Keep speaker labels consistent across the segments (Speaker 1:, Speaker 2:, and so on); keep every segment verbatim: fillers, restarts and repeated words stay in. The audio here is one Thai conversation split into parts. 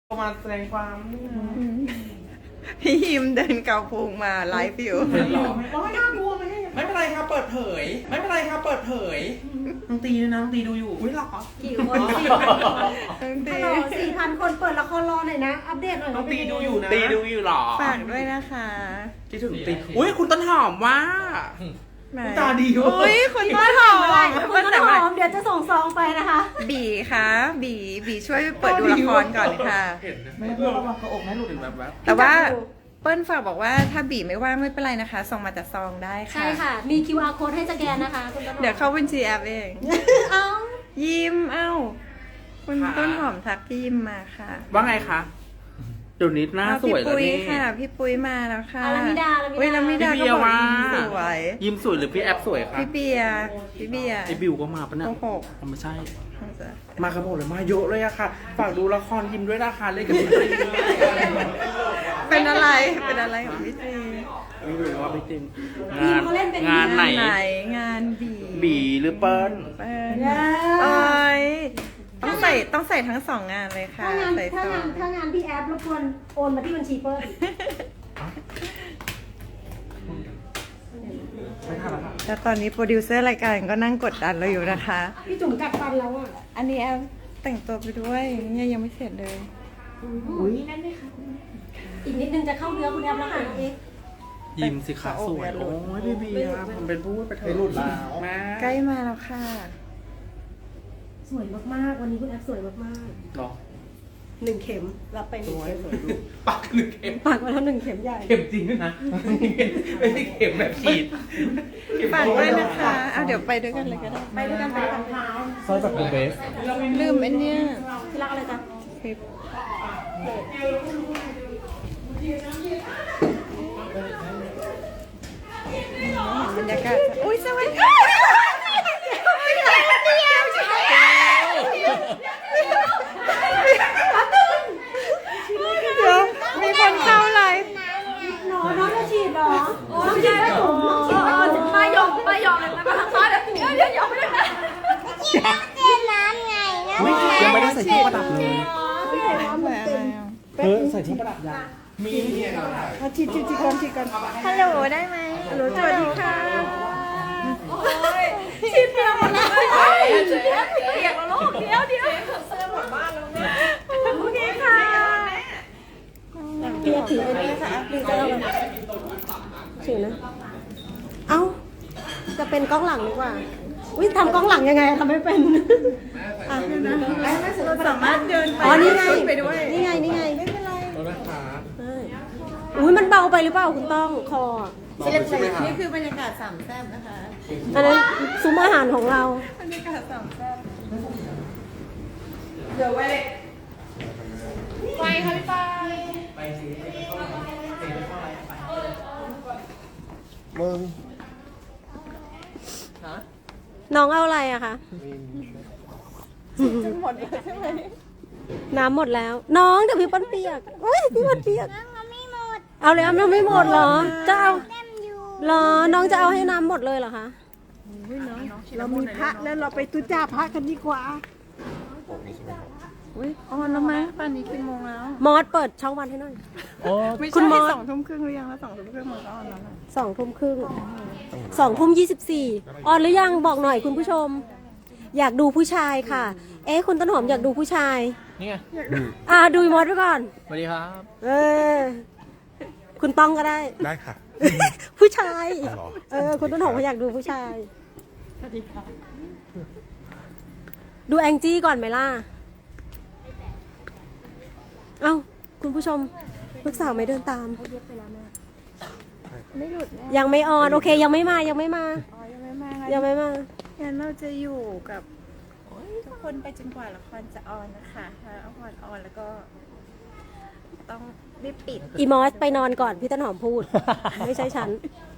Speaker 1: มาแสดงความ
Speaker 2: พี่ฮิมเดินเกาพุงมาไลฟ์อยู่
Speaker 1: ไม่น่ากลัวไหมไม่เป็นไรครับเปิดเผย ไม่เป็นไรครับเปิดเผยน้องตีนะน้องตีดูอยู่อุ้ยหรอ
Speaker 3: กี่คนสี่พันคนฮัลโหลสี่พันคนเปิดละครรอหน่อยนะอัปเดตหน่อย
Speaker 1: น้องตีดูอยู่นะตีดูอยู่หรอ
Speaker 2: ฝากด้วยนะคะ
Speaker 1: คิดถึงตีอุ้ยคุณต้นหอมว่าตาดี
Speaker 2: อุ้ยคุณต้นหอม
Speaker 3: คุณต้นหอมเดี๋ยวจะส่งซองไปนะคะ
Speaker 2: บีคะบีบีช่วยเปิดดูละครก่อนค่ะ
Speaker 1: ไม่เพื่อระวังกระอกนะหลุดแบบแบบ
Speaker 2: แต่ว่าเปิ้ลฝากบอกว่าถ้าบีไม่ว่างไม่เป็นไรนะคะส่งมาจากซองได้ค่ะ
Speaker 3: ใช่ค่ะมี คิว อาร์ code ให้สแกนนะคะคุณต้นหอม
Speaker 2: เดี๋ยวเข้าบัญชีแอปเอง
Speaker 3: เอ้า
Speaker 2: ยิ้มเอ้าคุณต้นหอมทักพี่ยิ้มมาค่ะ
Speaker 1: ว่าไงคะเดี๋ยวนี้หน้าสวยแล้วนี่
Speaker 2: พี่ปุ้ยค่ะพี่ปุ้ยมาแล้วค่ะ
Speaker 3: ลามิดาลามิดา
Speaker 2: ลามิดาก็บอกยิ้มสวย
Speaker 1: ยิ้มสวยหรือพี่แอปสวยคะ
Speaker 2: พี่เบียร์พี่เบียร์
Speaker 1: ไอบิวก็มาปะเนี่ย
Speaker 2: โอ้โห
Speaker 1: ไม่ใช่มาครับผมเลยมาเยอะเลยอะค่ะฝากดูละครยิ้มด้วยนะคะเล่นกับพี่ตรี
Speaker 2: เป็นอะไรเป็นอะไรของพี่ตรี
Speaker 1: ไม่รู้ว่าพี่ตรี
Speaker 3: งาน
Speaker 1: งานไหน
Speaker 2: งานบี
Speaker 1: บีหรือเปิ้ล
Speaker 2: เปิ้ลเอ้ยต้องใส่ต้องใส่ทั้งสองงานเลยค่ะ
Speaker 3: ถ้างาน
Speaker 2: ใส่
Speaker 3: ถ้างานถ้างานพี่แอปรบกวนโอนมาที่บัญชีเปิ้ล
Speaker 2: แล้วตอนนี้โปรดิวเซอร์รายการก็นั่งกดดันเราอยู่นะคะ
Speaker 3: พี่จุ๋มกัดฟันแล้วอ่ะ
Speaker 2: อันนี้แอปแต่งตัวไปด้วยเนี่ยยังไม่เสร็จเลย
Speaker 3: อุ้ยนั่นด้วยค่ะอีกนิดนึงจะเข้าเนื้อคุณแอปแล้วค่ะน้องเอ็ก
Speaker 1: ยิ้มสิคะสวยโอ้ยพี่เบียร์ผมเป็นผู้ไปเธอหลุดแล้ว
Speaker 2: ใกล้มาแล้วค่ะ
Speaker 3: สวยมากๆวันนี้คุณแอปสวยมาก
Speaker 1: ๆหรอ
Speaker 3: หนึ่งเข็มรับไปหนึ่งเข็ม
Speaker 1: ปักหนึ่งเข็ม
Speaker 3: ปักมาแล้วหนึ่งเข็มใหญ่
Speaker 1: เข็มจริงนะไม่ใช่เข็มแบบฉีด
Speaker 2: ฝากด้วยนะคะเอาเดี๋ยวไปด้วยกันเลยก็ได้
Speaker 3: ไปด้วยกันไปทางเท้า
Speaker 1: ซอยแบบเบส
Speaker 2: ลืมไอ้เนี่ย
Speaker 3: ที่รักอะไรจ๊ะ
Speaker 2: คลิปบรรยากาศอุ้ยสวัสดีเดี๋ยวมีคนเข้าไลฟ์
Speaker 3: หรอน้องจะฉีดหรอน้องฉีดไม่ถูกป้ายองป้ายองเลยนะคะป้าเดี๋ยวเดี๋ยวเดี๋ยวไม่ได้นะ
Speaker 4: เต้นน้ำไงนะ
Speaker 1: ยังไม่ได้ใส่ที่ประดับเลย
Speaker 2: เฮ้
Speaker 1: ยใส่ที่ประดับยังมี
Speaker 2: เอาฉีดฉีดฉีดก่อนฉีดก่อนฮัลโหลได้ไหมฮัลโหลสวัสดีค่ะ
Speaker 3: ฉีดเปียกหมดแล้วฉีดเปียกแล้วลูกเดี๋ยวเดี๋ยวเสื้อหมดบ้านแล้วเนี่ยโอเคค่ะเปียกถือไปนี่ค่ะหรือจะเอาแบบถือนะเอ้าจะเป็นกล้องหลังดีกว่าอุ้ยทำกล้องหลังยังไงทำไม่เป็นอ่ะนะ
Speaker 2: เราสามารถเดินไป
Speaker 3: อ๋อนี่ไง
Speaker 2: ไปด้วย
Speaker 3: นี่ไงนี่ไง
Speaker 2: ไม่เป็นไร
Speaker 3: อุ้ยมันเบาไปหรือเปล่าคุณต้องคอ
Speaker 2: นี่คือบรรยากาศสามแซ่บนะคะ
Speaker 3: อันนั้นซุ้มอาหารของเรา
Speaker 2: บรรยากาศสามแซ่บเดี๋ยวไปไปค่ะพี่ปายไปสิ
Speaker 1: มึง
Speaker 3: น้องเอาอะไรอะคะ
Speaker 2: หมดแล้วใช่ไหม
Speaker 3: น้ำหมดแล้วน้องเดี๋ยวพี่ป้นเปียกอุ้ยพี่ป้นเปียก
Speaker 4: น้ำไม่หมด
Speaker 3: เอาเลยน้ำไม่หมดเหรอจะเอาเหรอน้องจะเอาให้น้ำหมดเลยเหรอคะ
Speaker 2: เรามีพระแล้วเราไปตุจ่าพระกันดีกว่าอุ้ยออนแล้วไหมป่านนี้กี่โมงแล้ว
Speaker 3: มอสเปิดช่องวันให้หน่อย
Speaker 2: คุณมอสสองทุ่มครึ่งหรือยังแล้วสองทุ่มครึ่งมันก็ออนแล้ว
Speaker 3: สองทุ่มครึ่งสองทุ่มยี่สิบสี่ออนหรือยังบอกหน่อยคุณผู้ชมอยากดูผู้ชายค่ะเอ๊ะคุณต้นหอมอยากดูผู้ชาย
Speaker 1: นี่ไง
Speaker 3: อ่าดูมอสไว้ก่อน
Speaker 1: สวัสดีครับ
Speaker 3: เออคุณต้องก็ได้
Speaker 1: ได้ค่ะ
Speaker 3: ผู้ชายเออคุณต้นหอมเขาอยากดูผู้ชาย
Speaker 2: สวัสดีค่ะ
Speaker 3: ดูแองจี้ก่อนไหมล่ะเอ้าคุณผู้ชมลูกสาวไม่เดินตาม
Speaker 2: ไม่หลุด
Speaker 3: ยังไม่ออนโอเคยังไม่มายังไม่มา
Speaker 2: ยังไม่มา
Speaker 3: ยังไม่มา
Speaker 2: งั้นเราจะอยู่กับทุกคนไปจนกว่าละครจะออนนะคะถ้าละครออนแล้วก็ต้องรีบปิด
Speaker 3: อีมอสไปนอนก่อนพี่ต้นหอมพูดไม่ใช่ฉัน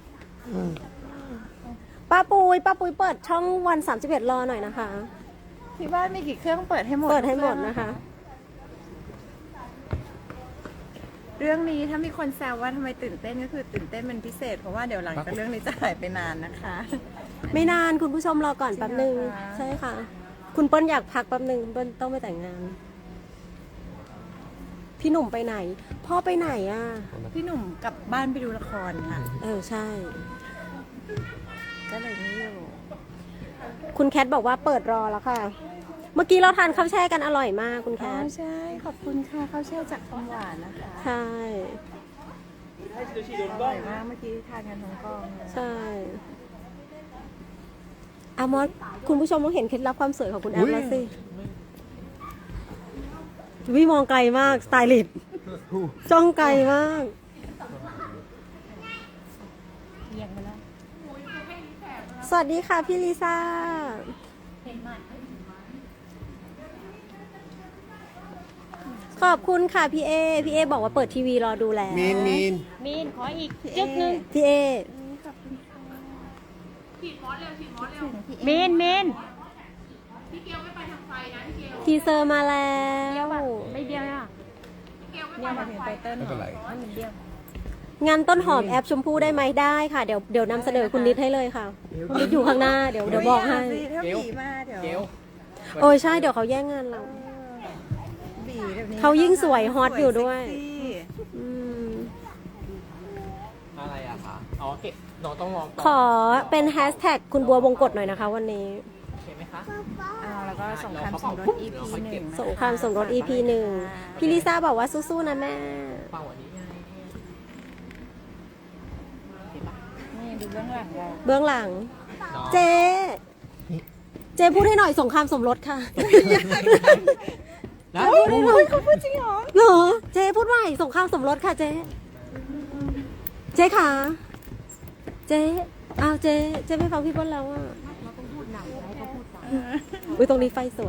Speaker 3: ป้าปุยป้าปุยเปิดช่องวันสามสิบเอ็ดรอหน่อยนะคะ
Speaker 2: ที่บ้านมีกี่เครื่องเปิดให้หมด
Speaker 3: เปิดให้หมดนะคะ
Speaker 2: เรื่องนี้ถ้ามีคนแซวว่าทำไมตื่นเต้นก็คือตื่นเต้นเป็นพิเศษเพราะว่าเดี๋ยวหลังจากเรื่องนี้จะหายไปนานนะคะ
Speaker 3: ไม่นานคุณผู้ชมรอก่อนแป๊บนึงใช่ค่ะคุณเปิ้ลอยากพักแป๊บนึงเปิ้ลต้องไปแต่งงานพี่หนุ่มไปไหน พ่อไปไหนอ่ะ
Speaker 2: พี่หนุ่มกลับบ้านไปดูละครค่ะ
Speaker 3: เออใช่
Speaker 2: ก็เลยไม่อยู่
Speaker 3: คุณแคทบอกว่าเปิดรอแล้วค่ะ เมื่อกี้เราทานข้าวแช่กันอร่อยมากคุณแค
Speaker 2: อ๋อ
Speaker 3: ท
Speaker 2: ใช่ขอบคุณค่ะข้าวแช่จากคำหวานนะคะ
Speaker 3: ใช่
Speaker 2: อร่อยมากเมื่อกี้ทานกันทั้งกองเลย
Speaker 3: ใช่อามอสคุณผู้ชมต้องเห็นเคล็ดลับความสวยของคุณแอมแล้วสิวิมองไกลมากสไตลิสต์จ้องไกลมาก
Speaker 2: เอียงไปแล้ว
Speaker 3: สวัสดีค่ะพี่ลิซ่า ขอบคุณค่ะพี่เอ พี่เอบอกว่าเปิดทีวีรอดูแล้ว
Speaker 5: มีนมีน
Speaker 2: มีนขออีกจึ๊กนึง
Speaker 3: พี่เอ
Speaker 2: มีนมีน
Speaker 3: ทีเซอร์มาแล้ว
Speaker 2: ไม่เดียวอ่ะเดียวมาถึงไตเติ้ล
Speaker 5: ไม่เป็นไร
Speaker 2: มันเดียว
Speaker 3: งานต้นหอมแอปชมพู่ได้ไหมได้ค่ะ เดี๋ยวเดี๋ยวนำเสนอคุณนิดให้เลยค่ะคุณนิดอยู่ข้างหน้าเดี๋ยวเดี๋ยวบอกให้
Speaker 2: ถ้าบีมาเดี๋ยว
Speaker 1: เกล
Speaker 3: โอ้ยใช่เดี๋ยวเขาแย่งงานเรา
Speaker 2: บีแบบนี้
Speaker 3: เขายิ่งสวยฮอตอยู่ด้วย
Speaker 2: สเซ็กซี่
Speaker 3: อืม
Speaker 1: อะไรอะคะอ๋อเกะน้องต้องรอ
Speaker 3: ขอเป็นแฮชแท็กคุณบัววงกฎหน่อยนะคะวันนี้
Speaker 1: โอเคไหมคะ
Speaker 2: อ่าแล้วก็สงครามสมรส อี พี หนึ่งนะคะ
Speaker 3: สงครามสมรส อี พี หนึ่งพี่ลิซ่าบอกว่าสู้ๆนะแม่
Speaker 1: เป่าอันนี้ไง
Speaker 2: นี่ดูเบื้องหลังเรา
Speaker 3: เบื้องหลัง
Speaker 1: น้อง
Speaker 3: เจ เจพูดให้หน่อยสงครามสมรสค่ะ
Speaker 1: นะ
Speaker 3: พูดให้หน่อยเขาพูดจริงเหรอเหรอ เจพูดว่าสงครามสมรสค่ะเจ เจค่ะ เจอ้าวเจ เจไม่ฟังพี่เปิ้ลแล้วอ่ะอุ้ยตรงนี้ไฟสวย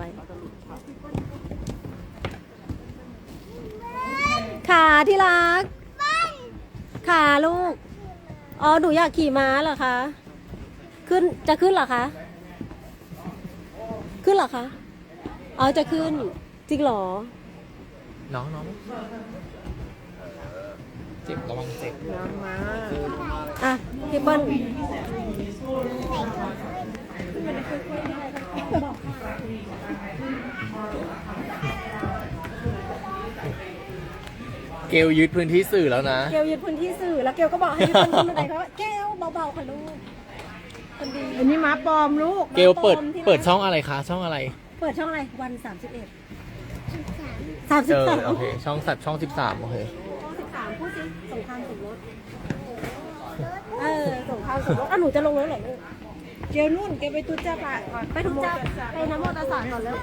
Speaker 3: ขาที่รัก ขาลูก อ๋อ หนูอยากขี่ม้าเหรอคะ ขึ้น จะขึ้นเหรอคะ ขึ้นเหรอคะ อ๋อ จะขึ้น จริงเหรอ
Speaker 1: น้องน้องเจ็บระวังเจ็บ
Speaker 2: น้ำมา
Speaker 3: อ่ะ พี่เปิ้ล
Speaker 5: เกลยึดพื้นที่สื่อแล้วนะ
Speaker 3: เกลยึดพื้นที่สื่อ แล้วเกลก็บอกให้พี่เปิ้ลขึ้นบันไดเขาว่าแก้วเบาๆค่ะลูก คนดี
Speaker 2: อันนี้ม้าปลอมลูก
Speaker 5: เกลเปิด
Speaker 3: ปลอมที่ไหน
Speaker 5: เปิดช่องอะไรคะ ช่องอะไร
Speaker 3: เปิดช่องอะไร วันสามสิบเอ็ดสามสิ
Speaker 5: เอบ อ
Speaker 3: สาม
Speaker 5: โอเค ช่องสัตว์ช่องสิบสามโอเค
Speaker 3: ช่องสิบสามพูดสิสงครามสมรส เออ สงครามสมรสอ่ะหนูจะลงแล้วเหรอลูก
Speaker 2: เกลนุ่นเกลไปตุจ้าปะก่อน
Speaker 3: ไปทุกเจ้าไปน้ำโมตสสารก่อนแล้ว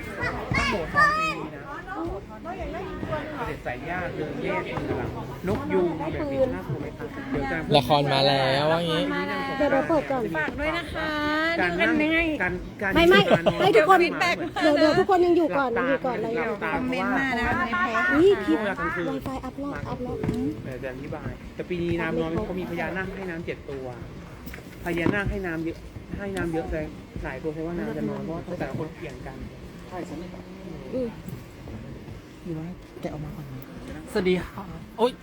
Speaker 1: เด็ดใส่ย่าเดินแยกคือแบบนกยูงแบบนี้น่ากลัวไหมคะเดี๋ยวจะ
Speaker 5: ละครมาแล้วว่างี้
Speaker 3: เดี๋ยวเราเปิดก่อน
Speaker 2: ฝากด้วยนะคะ
Speaker 1: การ
Speaker 2: ดูกั
Speaker 1: นั่
Speaker 2: น
Speaker 1: ง
Speaker 2: ยังไง
Speaker 1: การการ
Speaker 3: ไม่ไม่
Speaker 1: การนอน
Speaker 3: ให้ทุกคน
Speaker 1: ฟีดแบ็ก
Speaker 3: เดี๋ยวเดี๋ยวทุกคนยังอยู่ก่อนยังอยู่ก่อน
Speaker 1: ห
Speaker 3: เล
Speaker 1: ลั
Speaker 3: ย
Speaker 1: บตา
Speaker 2: คอมเมนต์มานะในเพจ
Speaker 3: อุ้ยคลิป
Speaker 1: เวลากลางคืน
Speaker 3: ไวไฟอัพรอบอัพรอบ
Speaker 1: เดี๋ยวจะอธิบาย แต่ปีนี้น้ำน้อยเขามีพญานาคให้น้ำเจ็ดตัว พญานาคให้น้ำเยอะให้น้ำเยอะแต่หลายตัวเพราะว่าน้ำจะน้อยเพราะว่าแต่ละคนเปลี่ยนกันใช่ใช่ไหม
Speaker 3: อืม
Speaker 1: มีว่าแกะออกมาก่อนสวัสดีค่ะโอ๊ย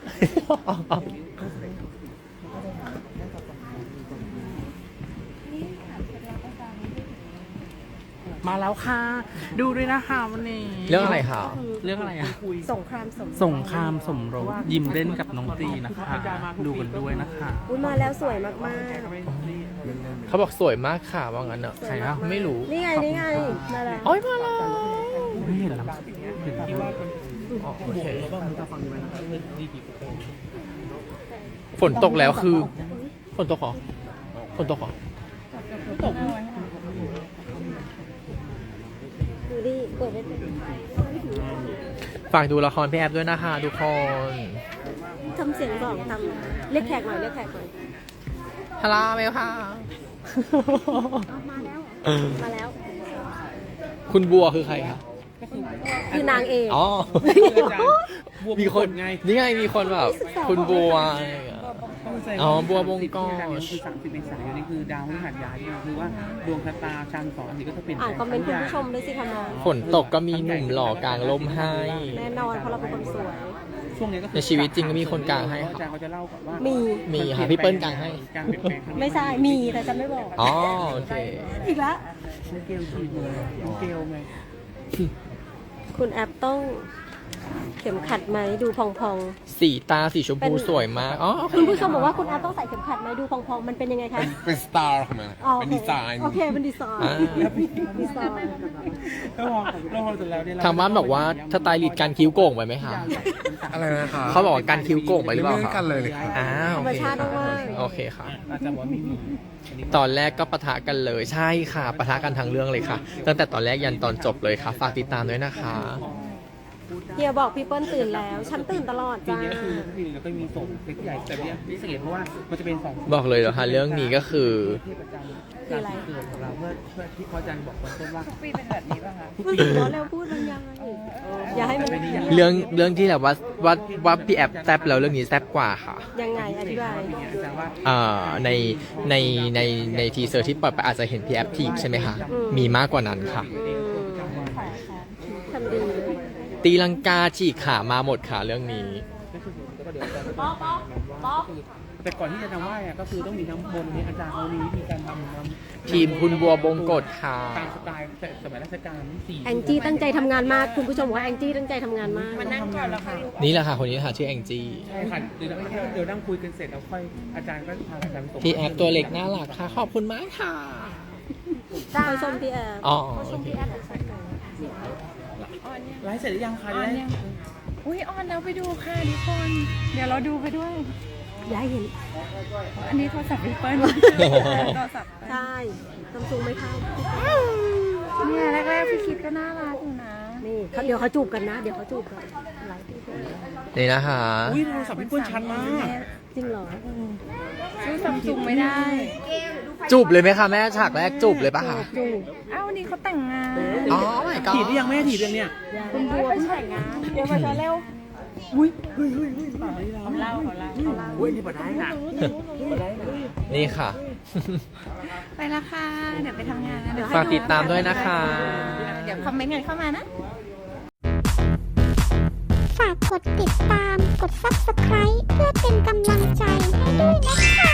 Speaker 1: มาแล้วค่ะ ดูด้วยนะคะวันนี้
Speaker 5: เรื่องอะไรคะ
Speaker 6: เรื่องอะไรอะ
Speaker 3: สงครามสมรส
Speaker 6: สงครามสมรสยิ้มเล่นกับน้องตีนะคะ ดูกันด้วยนะคะ
Speaker 3: อุ้ยมาแล้วสวยมาก
Speaker 5: เขาบอกสวยมากค่ะว่างั้นเนอะ
Speaker 6: ใครอะ
Speaker 5: ไม่รู้
Speaker 3: ๆ นี่ไง นี่ไงมาแล้ว
Speaker 5: โอ้ยมาแล้ว
Speaker 6: ไม่เห็นแล้วเห็นที่ว่า
Speaker 5: อ๋อโอเค ฝนตกแล้วคือ ฝนตกเหรอ ฝนตกเหรอ
Speaker 3: ดูดิเปิดได้เลย
Speaker 5: ฝากดูละครพี่แอฟด้วยนะคะทุกคน
Speaker 3: ทำเสียงบอกทำเรียกแขกหน่อยเรียกแขกหน่อย
Speaker 5: ฮัลโหลเมลค่ะ
Speaker 3: มาแล้ว มาแล้ว
Speaker 5: คุณบัวคือใครคะ
Speaker 3: คือนางเอก
Speaker 5: อ๋อ
Speaker 1: บัว
Speaker 5: มีคน
Speaker 1: ไง
Speaker 5: นี่ไงมีคนแบบ คุณบัวอะไรอย่างเงี้ย อ๋อบัวบงกอ
Speaker 1: คือสามสิบเมษายนนี่คือดาวพฤหัสย้ายเนี่ยคือว่าดวงชะตาชันสองอันนี้ก็จะเป็น
Speaker 3: อ่านคอมเมนต์คุณผู้ชมด้วยสิคะน้อง
Speaker 5: ฝนตกก็มีหนุ่มหล่อกลางลมให้
Speaker 3: แน่นอนเพราะเราเป็นคนสวย
Speaker 1: ช่วงนี้ก็คือ
Speaker 5: ในชีวิตจริงก็มีคนกลางให้ครับ
Speaker 1: อาจารย์เขาจะเล่าก่อนว่า
Speaker 3: มี
Speaker 5: มีค่ะพี่เปิ้ลกลางให้
Speaker 1: การเปลี่ยนแปลงครั้งนี้
Speaker 3: ไม่ใช่ มีแต่จะไม่บอก
Speaker 5: อ๋อโอเค
Speaker 3: อีกแล้ว
Speaker 1: น้องเกลชีเลยน้องเกลไง
Speaker 3: คุณแอปต้องเข็มขัดไหมดูพอง
Speaker 5: สีตาสีชมพูสวยมาก อ๋อ
Speaker 3: ๆ คุณผู้ชมบอกว่าคุณอาร์ตต้องใส่เข็มขัดไหมดูพองๆ มันเป็นยังไงคะ
Speaker 7: เป็นสไตล์ของมัน
Speaker 3: อ๋อ
Speaker 7: เป็นดีไซน์
Speaker 3: โอเคเป็นดีไซน์
Speaker 5: อ่า
Speaker 3: ดีไซน์
Speaker 1: แล้วพอแล้วพอเสร็จแล้วเนี่ยเร
Speaker 5: ทางบ้านบอกว่าสไตลิสต์การคิ้วโก่งไปไหมคะ
Speaker 7: อะไรนะคะ
Speaker 5: เขาบอกว่าการคิ้วโก่งไปหรือเปล่า
Speaker 7: ไม่
Speaker 5: คะ
Speaker 7: กันเลยเลยครับ
Speaker 5: อ้าว
Speaker 3: ธรรมชาติมาก
Speaker 5: โอเคค่ะ
Speaker 1: อาจารย์บอกว่าไม่มีอันนี้
Speaker 5: ตอนแรกก็ปะทะกันเลยใช่ค่ะปะทะกันทั้งเรื่องเลยค่ะ ตั้งแต่ตอนแรกยันตอนจบเลยค่ะ ฝากติดตามด้วยนะคะ
Speaker 3: เฮียบอกพี่เปิ้ลตื่นแล้ว ฉันตื่นตลอด
Speaker 1: ปี
Speaker 3: จ้า
Speaker 1: นี้ก็คือปีนี้แล้วก็มีส่งเล็กใหญ่แต่เนี้ยพิเศษเพราะว่ามันจะเป็นสอง
Speaker 5: บอกเลยเหรอคะเรื่องนี้ก็คือ
Speaker 1: เทพประจำราศีเกิดของเราเพื่อเพื่อที่พระอาจารย์บอกตอนต้นว่า
Speaker 2: ปีเป็นแบบนี้ป่ะคะ
Speaker 3: พูดถึงร้อนแล้วพูดมันยังไงอย่าให้มัน
Speaker 5: เรื่องเรื่องที่แบบว่าว่าว่าพี่แอปแซบแล้วเรื่องนี้แซบกว่าค่ะ
Speaker 3: ยังไงอธิบาย
Speaker 1: ปีนี้อาจารย์ว่า
Speaker 5: อ่าในในในในทีเซอร์ที่ปล่อยไปอาจจะเห็นพี่แอปทีบใช่ไหมคะ
Speaker 3: อืม
Speaker 5: มีมากกว่านั้นค่ะ
Speaker 3: อืมทำดี
Speaker 5: ตีลังกาฉีกขามาหมดค่ะเรื่องนี้
Speaker 1: ก็คือแล้วก็เดี๋ยวอาจารย์ก็จะบอกว่าก็คือแต่ก่อนที่จะทำไหว้อะก็คือต้องมีน้ำมนต์นี้อาจารย์เขามีวิธีการทำน้ำ
Speaker 5: ทีมคุณบัวบงกฎค่ะ
Speaker 1: ตามสไตล์แต่สมัยรัชกาลที่สี่
Speaker 3: แองจี้ตั้งใจทำงานมาก คุณผู้ชมบอกว่าแองจี้ตั้งใจทำงานมาก
Speaker 2: มานั่งก่อนแล้วค่อยลุก
Speaker 5: นี่แหละค่ะคนนี้ค่ะชื่อแองจี้
Speaker 1: ใช่ค่ะเดี๋ยวเดี๋ยวนั่งคุยกันเสร็จแล้วค่อยอาจารย์ก็พาอาจารย์ไปส่ง
Speaker 5: พี่แอปตัวเล็กน่ารักค่ะ ขอบคุณมากค่ะ
Speaker 3: จ้าชมพี่แอฟ
Speaker 5: อ๋อ
Speaker 3: ชมพี่แอฟอีกสักหน่อย
Speaker 1: ไลฟ์เสร็จหรือยังคะจะได้
Speaker 2: อุ้ยออนแล้วไปดูค่ะทุกคน เดี๋ยวเราดูไปด้วย
Speaker 3: อย่าให้เห็น
Speaker 2: อันนี้โทรศัพท์พี่เปิ้ลโทรศัพท์
Speaker 3: ใช่ซัมซุงไม่เข้า
Speaker 2: เนี่ยแรกๆพี่คิดก็น่ารักอยู่นะ
Speaker 3: นี่เขาเดี๋ยวเขาจูบกันนะ เดี๋ยวเขาจูบกันไลฟ์
Speaker 5: นี่นะคะ
Speaker 1: อุ้ยโทรศัพท์พี่เปิ้ลชัดมาก
Speaker 3: จริงเหรอ
Speaker 2: ซื้อซัมซุงไม่ได้
Speaker 5: จูบเลยไหมคะแม่ฉากแรกจูบเลยปะคะ
Speaker 3: จูบ
Speaker 2: เอ้าวันนี้เขาแต่งงาน
Speaker 5: อ๋อไม่ก็
Speaker 1: ถีบหรือยังแม่ถีบยังเนี่ย
Speaker 2: คุณบัวเพิ่งแต่งงาน เดี๋ยวมาจะเร็ว
Speaker 1: อุ้ยเฮ้ยเฮ้ยเฮ้ยป่านี่เรา
Speaker 2: เขาเล่าเขาเล่าเขาเล่า
Speaker 1: อุ้ยนี่ปะได้นะปะได้นะ
Speaker 5: นี่ค่ะ
Speaker 2: ไปละค่ะ เดี๋ยวไปทำงานนะเดี๋ยวให้
Speaker 5: ฝากติดตามด้วยนะคะ
Speaker 2: เดี๋ยวคอมเมนต์กันเข้ามานะ
Speaker 4: ฝากกดติดตาม กด ซับสไครบ์ เพื่อเป็นกำลังใจให้ด้วยนะคะ